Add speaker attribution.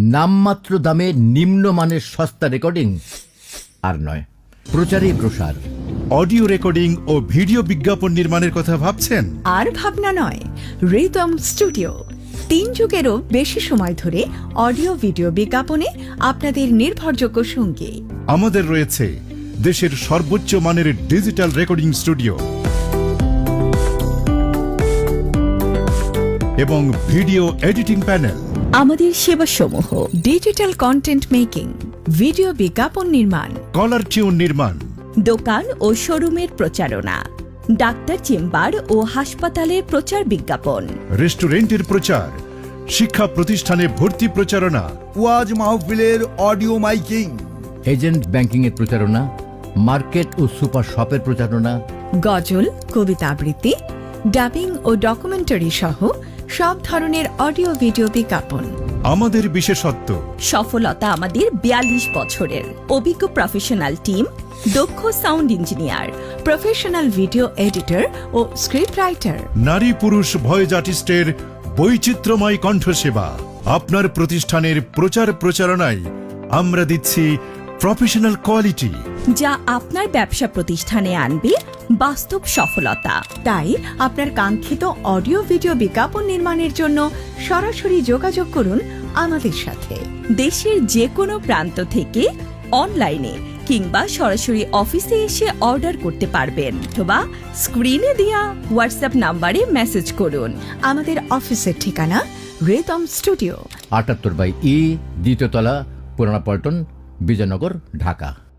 Speaker 1: নামমাত্র দামে নিম্নমানের সস্তা রেকর্ডিং আর নয়, প্রচারেই প্রসার।
Speaker 2: অডিও রেকর্ডিং ও ভিডিও বিজ্ঞাপন নির্মাণের কথা ভাবছেন?
Speaker 3: আর ভাবনা নয়, রিদম স্টুডিও 3 যুগেরও বেশি সময় ধরে অডিও ভিডিও বিজ্ঞাপনে আপনাদের নির্ভরযোগ্য সঙ্গী।
Speaker 2: আমাদের রয়েছে দেশের সর্বোচ্চ মানের ডিজিটাল রেকর্ডিং স্টুডিও এবং ভিডিও এডিটিং প্যানেল।
Speaker 3: আমাদের সেবাসমূহ ডিজিটাল কন্টেন্ট মেকিং, ভিডিও বিজ্ঞাপন নির্মাণ,
Speaker 2: কলার টিউন নির্মাণ,
Speaker 3: দোকান ও শোরুমের প্রচারণা, ডাক্তার চেম্বার ও হাসপাতালের প্রচার বিজ্ঞাপন,
Speaker 2: রেস্টুরেন্টের প্রচার, শিক্ষা প্রতিষ্ঠানে ভর্তি প্রচারণা,
Speaker 4: ওয়াজ মাহফিলের অডিও মাইকিং,
Speaker 1: এজেন্ট ব্যাংকিং এর প্রচারণা, মার্কেট ও সুপার শপের প্রচারণা,
Speaker 3: গজল, কবিতা আবৃত্তি, ডাবিং ও ডকুমেন্টারি সহ সব ধরনের অডিও ভিডিও বিজ্ঞাপন।
Speaker 2: আমাদের বিশেষত্ব
Speaker 3: সফলতা আমাদের 42 বছরের অভিজ্ঞ প্রফেশনাল টিম, দক্ষ sound engineer, professional video editor ও স্ক্রিপ্ট রাইটার,
Speaker 2: নারী পুরুষ ভয়েস আর্টিস্টের বৈচিত্র্যময় কণ্ঠসেবা। আপনার প্রতিষ্ঠানের প্রচার প্রচারণায় আমরা দিচ্ছি প্রফেশনাল কোয়ালিটি,
Speaker 3: যা আপনার ব্যবসা প্রতিষ্ঠানে আনবে বাস্তব সফলতা। তাই আপনার কাঙ্ক্ষিত অডিও ভিডিও বিজ্ঞাপন নির্মাণের জন্য সরাসরি যোগাযোগ করুন আমাদের সাথে। দেশের যে কোনো প্রান্ত থেকে অনলাইনে কিংবা সরাসরি অফিসে এসে অর্ডার করতে পারবেন, অথবা স্ক্রিনে দেওয়া হোয়াটসঅ্যাপ নাম্বারে মেসেজ করুন। আমাদের অফিসের ঠিকানা রিদম স্টুডিও,
Speaker 1: 78/E, দ্বিতীয় তলা, পুরানা পল্টন, বিজয়নগর, ঢাকা।